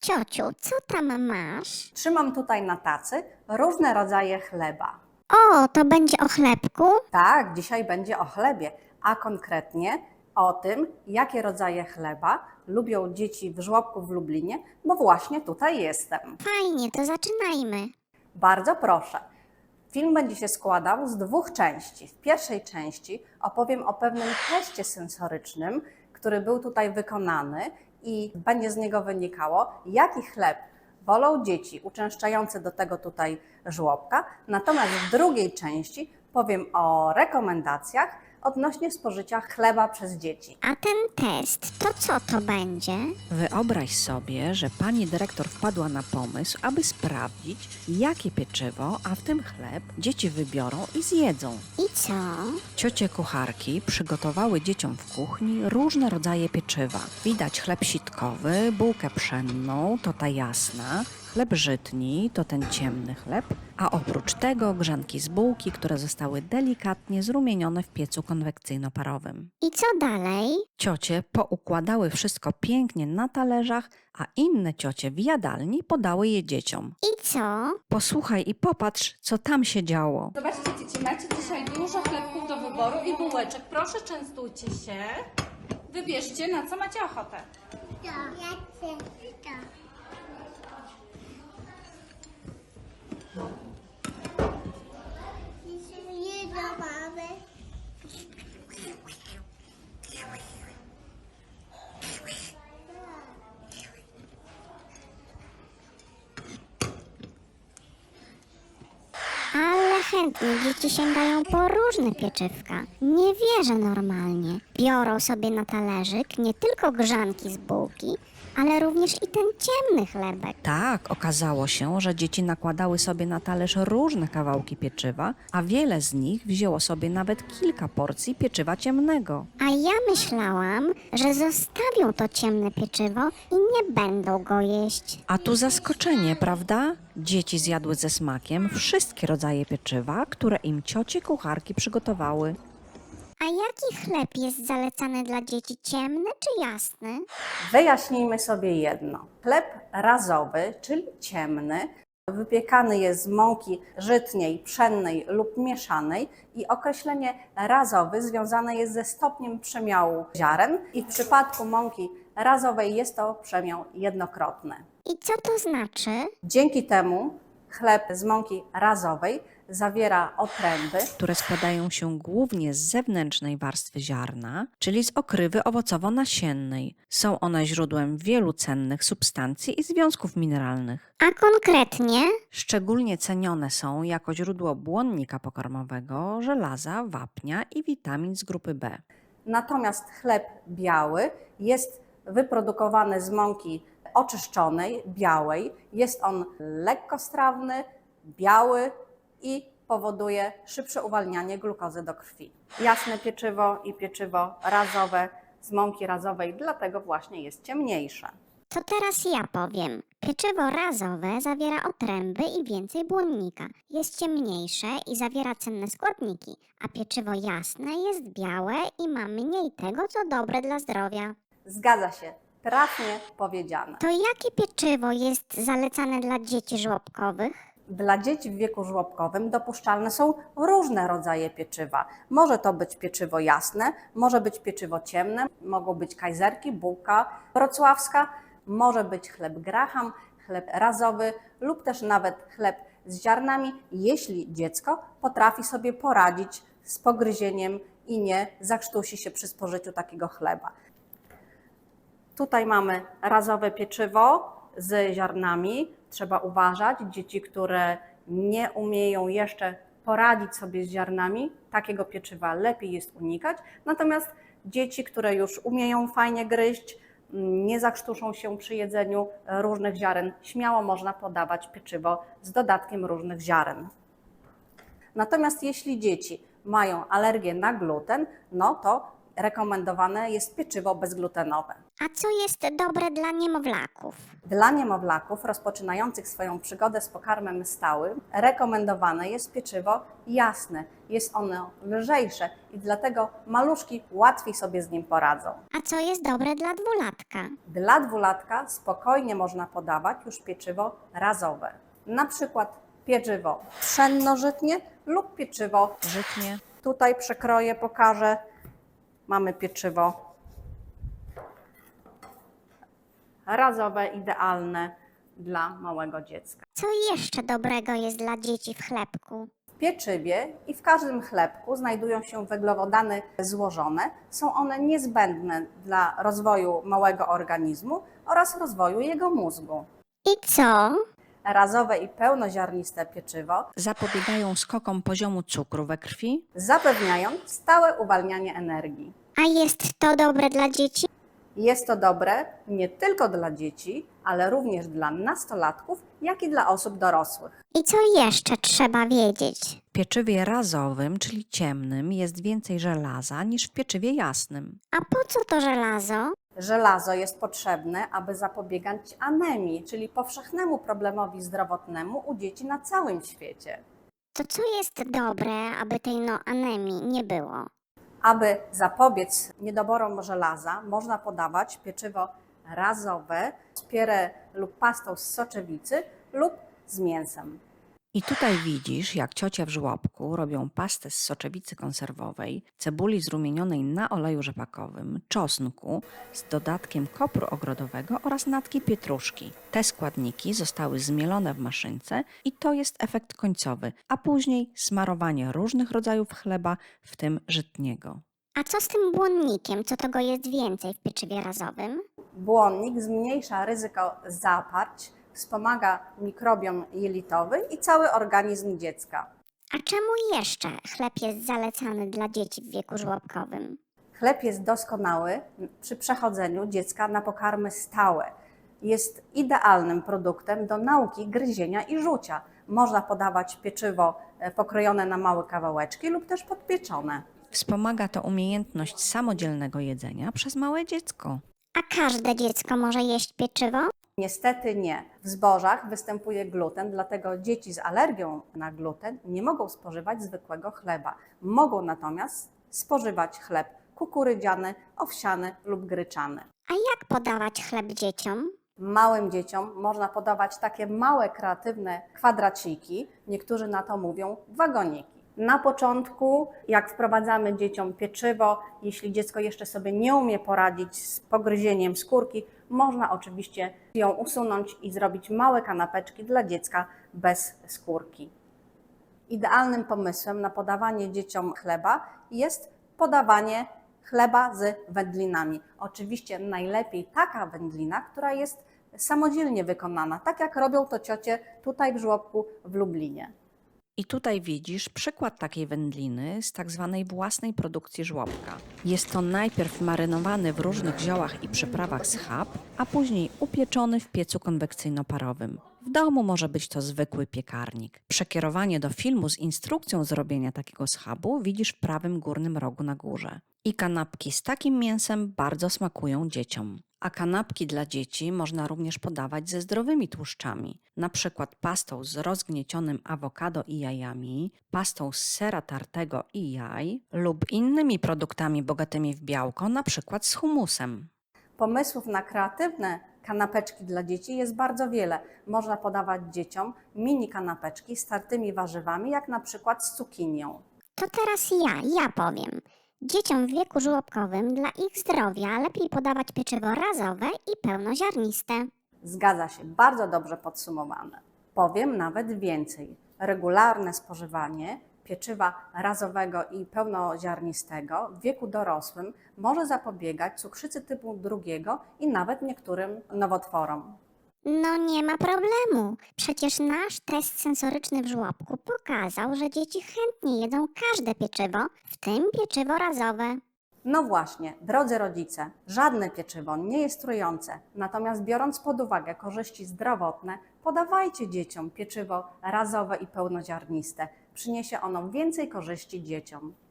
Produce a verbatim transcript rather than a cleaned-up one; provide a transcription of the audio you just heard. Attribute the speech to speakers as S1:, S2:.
S1: Ciociu, co tam masz?
S2: Trzymam tutaj na tacy różne rodzaje chleba.
S1: O, to będzie o chlebku?
S2: Tak, dzisiaj będzie o chlebie, a konkretnie o tym, jakie rodzaje chleba lubią dzieci w żłobku w Lublinie, bo właśnie tutaj jestem.
S1: Fajnie, to zaczynajmy.
S2: Bardzo proszę. Film będzie się składał z dwóch części. W pierwszej części opowiem o pewnym teście sensorycznym, który był tutaj wykonany i będzie z niego wynikało, jaki chleb wolą dzieci uczęszczające do tego tutaj żłobka. Natomiast w drugiej części powiem o rekomendacjach odnośnie spożycia chleba przez dzieci.
S1: A ten test, to co to będzie?
S3: Wyobraź sobie, że pani dyrektor wpadła na pomysł, aby sprawdzić, jakie pieczywo, a w tym chleb, dzieci wybiorą i zjedzą.
S1: I co?
S3: Ciocie kucharki przygotowały dzieciom w kuchni różne rodzaje pieczywa. Widać chleb sitkowy, bułkę pszenną, to ta jasna, chleb żytni, to ten ciemny chleb, a oprócz tego grzanki z bułki, które zostały delikatnie zrumienione w piecu konwekcyjno-parowym.
S1: I co dalej?
S3: Ciocie poukładały wszystko pięknie na talerzach, a inne ciocie w jadalni podały je dzieciom.
S1: I co?
S3: Posłuchaj i popatrz, co tam się działo.
S4: Zobaczcie, dzieci, macie dzisiaj dużo chlebków do wyboru i bułeczek. Proszę, częstujcie się. Wybierzcie, na co macie ochotę.
S5: To. Ja chcę to. Jedno mamy.
S1: Ale chętnie dzieci sięgają po różne pieczywka. Nie wierzę normalnie. Biorą sobie na talerzyk nie tylko grzanki z bułki, ale również i ten ciemny chlebek.
S3: Tak, okazało się, że dzieci nakładały sobie na talerz różne kawałki pieczywa, a wiele z nich wzięło sobie nawet kilka porcji pieczywa ciemnego.
S1: A ja myślałam, że zostawią to ciemne pieczywo i nie będą go jeść.
S3: A tu zaskoczenie, prawda? Dzieci zjadły ze smakiem wszystkie rodzaje pieczywa, które im ciocie kucharki przygotowały.
S1: A jaki chleb jest zalecany dla dzieci, ciemny czy jasny?
S2: Wyjaśnijmy sobie jedno. Chleb razowy, czyli ciemny, wypiekany jest z mąki żytniej, pszennej lub mieszanej i określenie razowy związane jest ze stopniem przemiału ziaren i w przypadku mąki razowej jest to przemiał jednokrotny.
S1: I co to znaczy?
S2: Dzięki temu chleb z mąki razowej zawiera otręby,
S3: które składają się głównie z zewnętrznej warstwy ziarna, czyli z okrywy owocowo-nasiennej. Są one źródłem wielu cennych substancji i związków mineralnych.
S1: A konkretnie?
S3: Szczególnie cenione są jako źródło błonnika pokarmowego, żelaza, wapnia i witamin z grupy B.
S2: natomiast chleb biały jest wyprodukowany z mąki oczyszczonej, białej. Jest on lekkostrawny, biały i powoduje szybsze uwalnianie glukozy do krwi. Jasne pieczywo i pieczywo razowe z mąki razowej, dlatego właśnie jest ciemniejsze.
S1: To teraz ja powiem. Pieczywo razowe zawiera otręby i więcej błonnika. Jest ciemniejsze i zawiera cenne składniki, a pieczywo jasne jest białe i ma mniej tego, co dobre dla zdrowia.
S2: Zgadza się, trafnie powiedziane.
S1: To jakie pieczywo jest zalecane dla dzieci żłobkowych?
S2: Dla dzieci w wieku żłobkowym dopuszczalne są różne rodzaje pieczywa. Może to być pieczywo jasne, może być pieczywo ciemne, mogą być kajzerki, bułka wrocławska, może być chleb graham, chleb razowy lub też nawet chleb z ziarnami, jeśli dziecko potrafi sobie poradzić z pogryzieniem i nie zakrztusi się przy spożyciu takiego chleba. Tutaj mamy razowe pieczywo z ziarnami. Trzeba uważać, dzieci, które nie umieją jeszcze poradzić sobie z ziarnami, takiego pieczywa lepiej jest unikać. Natomiast dzieci, które już umieją fajnie gryźć, nie zakrztuszą się przy jedzeniu różnych ziaren, śmiało można podawać pieczywo z dodatkiem różnych ziaren. Natomiast jeśli dzieci mają alergię na gluten, no to rekomendowane jest pieczywo bezglutenowe.
S1: A co jest dobre dla niemowlaków?
S2: Dla niemowlaków rozpoczynających swoją przygodę z pokarmem stałym rekomendowane jest pieczywo jasne. Jest ono lżejsze i dlatego maluszki łatwiej sobie z nim poradzą.
S1: A co jest dobre dla dwulatka?
S2: Dla dwulatka spokojnie można podawać już pieczywo razowe. Na przykład pieczywo pszenno-żytnie lub pieczywo
S3: Żytnie.
S2: Tutaj przekroję, pokażę. Mamy pieczywo razowe, idealne dla małego dziecka.
S1: Co jeszcze dobrego jest dla dzieci w chlebku?
S2: W pieczywie i w każdym chlebku znajdują się węglowodany złożone. Są one niezbędne dla rozwoju małego organizmu oraz rozwoju jego mózgu.
S1: I co?
S2: Razowe i pełnoziarniste pieczywo
S3: Zapobiegają skokom poziomu cukru we krwi.
S2: zapewniają stałe uwalnianie energii.
S1: A jest to dobre dla dzieci?
S2: Jest to dobre nie tylko dla dzieci, ale również dla nastolatków, jak i dla osób dorosłych.
S1: I co jeszcze trzeba wiedzieć?
S3: W pieczywie razowym, czyli ciemnym, jest więcej żelaza niż w pieczywie jasnym.
S1: A po co to żelazo?
S2: Żelazo jest potrzebne, aby zapobiegać anemii, czyli powszechnemu problemowi zdrowotnemu u dzieci na całym świecie.
S1: To co jest dobre, aby tej no anemii nie było?
S2: Aby zapobiec niedoborom żelaza, można podawać pieczywo razowe z pire lub pastą z soczewicy lub z mięsem.
S3: I tutaj widzisz, jak ciocie w żłobku robią pastę z soczewicy konserwowej, cebuli zrumienionej na oleju rzepakowym, czosnku z dodatkiem kopru ogrodowego oraz natki pietruszki. Te składniki zostały zmielone w maszynce i to jest efekt końcowy, a później smarowanie różnych rodzajów chleba, w tym żytniego.
S1: A co z tym błonnikiem? Co tego jest więcej w pieczywie razowym?
S2: Błonnik zmniejsza ryzyko zaparć, wspomaga mikrobiom jelitowy i cały organizm dziecka.
S1: A czemu jeszcze chleb jest zalecany dla dzieci w wieku żłobkowym?
S2: Chleb jest doskonały przy przechodzeniu dziecka na pokarmy stałe. Jest idealnym produktem do nauki gryzienia i żucia. Można podawać pieczywo pokrojone na małe kawałeczki lub też podpieczone.
S3: Wspomaga to umiejętność samodzielnego jedzenia przez małe dziecko.
S1: A każde dziecko może jeść pieczywo?
S2: Niestety nie. W zbożach występuje gluten, dlatego dzieci z alergią na gluten nie mogą spożywać zwykłego chleba. Mogą natomiast spożywać chleb kukurydziany, owsiany lub gryczany.
S1: A jak podawać chleb dzieciom?
S2: Małym dzieciom można podawać takie małe, kreatywne kwadraciki, niektórzy na to mówią wagoniki. Na początku, jak wprowadzamy dzieciom pieczywo, jeśli dziecko jeszcze sobie nie umie poradzić z pogryzieniem skórki, można oczywiście ją usunąć i zrobić małe kanapeczki dla dziecka bez skórki. Idealnym pomysłem na podawanie dzieciom chleba jest podawanie chleba z wędlinami. Oczywiście najlepiej taka wędlina, która jest samodzielnie wykonana, tak jak robią to ciocie tutaj w żłobku w Lublinie.
S3: I tutaj widzisz przykład takiej wędliny z tak zwanej własnej produkcji żłobka. Jest to najpierw marynowany w różnych ziołach i przyprawach schab, a później upieczony w piecu konwekcyjno-parowym. W domu może być to zwykły piekarnik. Przekierowanie do filmu z instrukcją zrobienia takiego schabu widzisz w prawym górnym rogu na górze. I kanapki z takim mięsem bardzo smakują dzieciom. A kanapki dla dzieci można również podawać ze zdrowymi tłuszczami, na przykład pastą z rozgniecionym awokado i jajami, pastą z sera tartego i jaj lub innymi produktami bogatymi w białko, na przykład z humusem.
S2: Pomysłów na kreatywne kanapeczki dla dzieci jest bardzo wiele. Można podawać dzieciom mini kanapeczki z tartymi warzywami, jak na przykład z cukinią.
S1: To teraz ja, ja powiem. Dzieciom w wieku żłobkowym dla ich zdrowia lepiej podawać pieczywo razowe i pełnoziarniste.
S2: Zgadza się, bardzo dobrze podsumowane. Powiem nawet więcej. Regularne spożywanie pieczywa razowego i pełnoziarnistego w wieku dorosłym może zapobiegać cukrzycy typu drugiego i nawet niektórym nowotworom.
S1: No nie ma problemu. Przecież nasz test sensoryczny w żłobku pokazał, że dzieci chętnie jedzą każde pieczywo, w tym pieczywo razowe.
S2: No właśnie, drodzy rodzice, żadne pieczywo nie jest trujące, natomiast biorąc pod uwagę korzyści zdrowotne, podawajcie dzieciom pieczywo razowe i pełnoziarniste. Przyniesie ono więcej korzyści dzieciom.